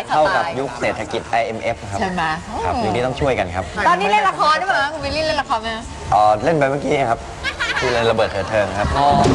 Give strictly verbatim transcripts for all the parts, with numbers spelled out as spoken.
เข้ากับยุคเศรษฐกิจ ไอ เอ็ม เอฟ ครับใช่ไหมครับยุคนี้ต้องช่วยกันครับตอนนี้เล่นละครด้วยมั้ยคุณวิลลี่เล่นละครไหมอ๋อเล่นไปเมื่อกี้ครับคือเล่นระเบิดเถิดเทิงครับ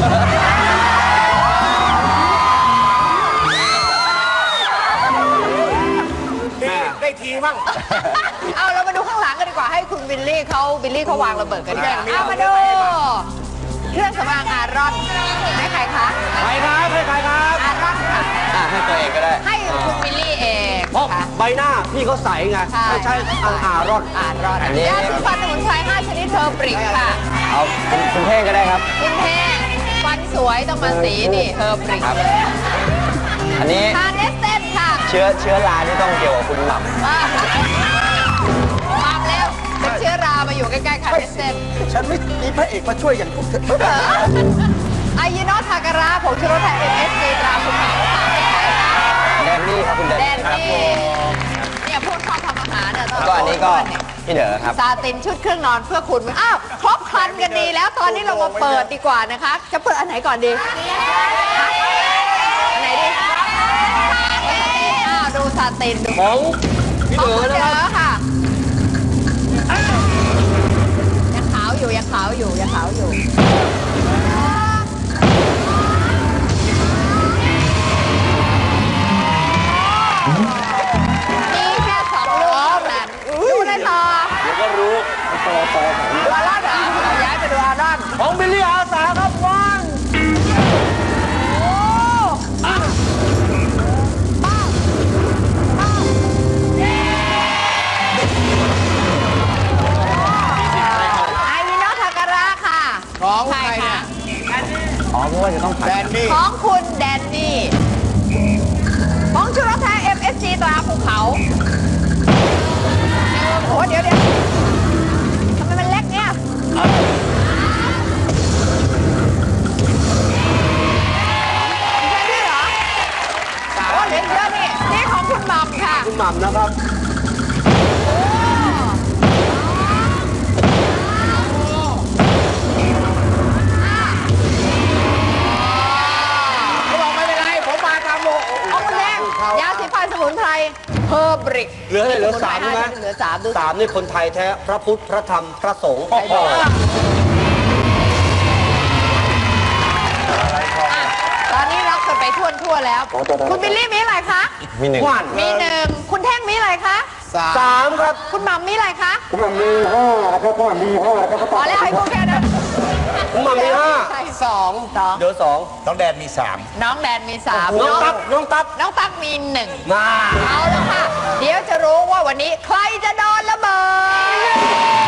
ได้ทีมั่งเอาเรามาดูข้างหลังกันดีกว่าให้คุณวิลลี่เขาวิลลี่เขาวางระเบิดกันดีกว่าเอามาดูเครื่องสำอางอารอนให้ใครคะใครครับให้ใครครับอารอนค่ะอ่ะให้ตัวเองก็ได้ให้คุณวิลลี่เองเพราะค่ะใบหน้าพี่เขาใสไงใช่ไม่ใช่อังอารอนอารอนอันนี้ยาสีฟันสมุนไพรห้าชนิดเทอร์บริกค่ะเอาคุณคุณเท่งก็ได้ครับคุณแห้งฟันสวยต้องมาสีนี่เทอร์บริกครับ อันนี้ทานเนสเต้นค่ะเชื้อเชื้อราที่ต้องเกี่ยวกับคุณหม่ำมามาแล้วเป็นเชื้อรามาอยู่ใกล้ๆค่ะเนสเต้นฉันไม่มีพระเอกมาช่วยอย่างพวกเธอไอยีโนทาการะผงชูรสไทยเอ็มเอสซีตราภูเขาค่ะแดนนี่ครับคุณแดนแดนี่นนี่เนี่ยพวกชอบทำอาหารเนี่ยต้องก็อันนี้ก็พี่เด๋อครับซาตินชุดเครื่องนอนเพื่อคุณอ้าวครบครันกันดีแล้วตอนนี้เรามาเปิดดีกว่านะคะ จะเปิดอันไหนก่อนดีอันไหนดีอ้าวดูซาตินดูของพี่ของเด๋อคุณนะเด๋ครับอค่ะยังขาวอยู่ยังขาวอยู่ยังขาวอยู่มีแค่สองลูกเท่านั้นดูเลยต่อเดี๋ยวก็รู้ดูอารอนเหรอเราย้ายไปดูอารอนของบิลลี่อาสาครับวันโอ้ป้าป้าป้าไอวิโนทาการะค่ะของใครเนี่ยอ๋อเพราะว่าจะต้องแดผัดนนี่ของคุณแดนนี่ของชูรสแท้ เอ็ม เอส จี ตราภูเขาโอ้เดี๋ยวเดี๋ยวทำไมมันเล็กเนี่ยใช่ด้วยเหรอโอ้เหลือเยอะนี่นี่ของคุณหม่ำค่ะคุณหม่ำนะครับ เขาบอกไม่เป็นไร ผมมาตามโลเอาคุณแดงยาสีฟันสมุนไพรเฮอร์บริกเหลืออะไรเหลือสามใช่ไหมเหลือสามดูสามนี่คนไทยแท้ พระพุทธ พระธรรม พระสงฆ์ใครบอกอ่ะตอนนี้ล็อกกันไปทั่วทั่วๆแล้ว คุณบิลลี่มีอะไรคะมีหนึ่งว่านมีหนึ่งคุณแท่งมีอะไรคะสามครับคุณหม่ำมีอะไรคะผมมีห้านะครับผมมีห้านะครับพอแล้วให้พวกแค่นั้นคุณหม่ำมีห้าใช่สองสองเดี๋ยวสองน้องแดนมีสามน้องแดนมีสามน้องตั๊บน้องตั๊บน้องตั๊กมีหนึ่งมาเอาแล้วค่ะ เดี๋ยวจะรู้ว่าวันนี้ใครจะโดนระเบิด